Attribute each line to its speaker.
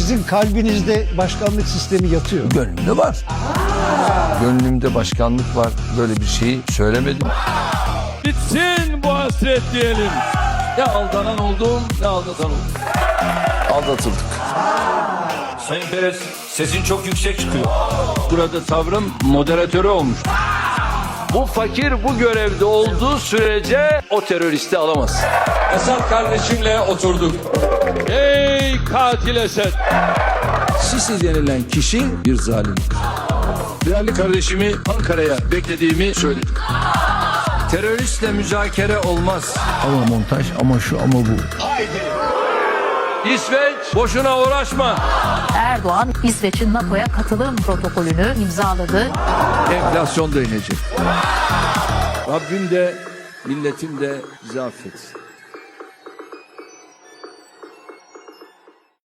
Speaker 1: Sizin kalbinizde başkanlık sistemi yatıyor.
Speaker 2: Gönlümde var. Gönlümde başkanlık var. Böyle bir şeyi söylemedim.
Speaker 3: Bitsin bu hasret diyelim. Ne aldanan oldum, ne aldatan oldum.
Speaker 2: Aldatıldık.
Speaker 3: Sayın Perez, sesin çok yüksek çıkıyor. Burada tavrım moderatörü olmuş. Bu fakir bu görevde olduğu sürece o teröristi alamaz. Esad kardeşimle oturduk. Ey katil Esed! Sisi denilen kişi bir zalimdir. Değerli kardeşimi Ankara'ya beklediğimi söyledim. Teröristle müzakere olmaz.
Speaker 2: Ama montaj, ama şu, ama bu.
Speaker 3: İsveç boşuna uğraşma.
Speaker 4: Erdoğan, İsveç'in NATO'ya katılım protokolünü imzaladı.
Speaker 2: Enflasyon da inecek.
Speaker 3: Rabbim de milletim de bizi affetsin.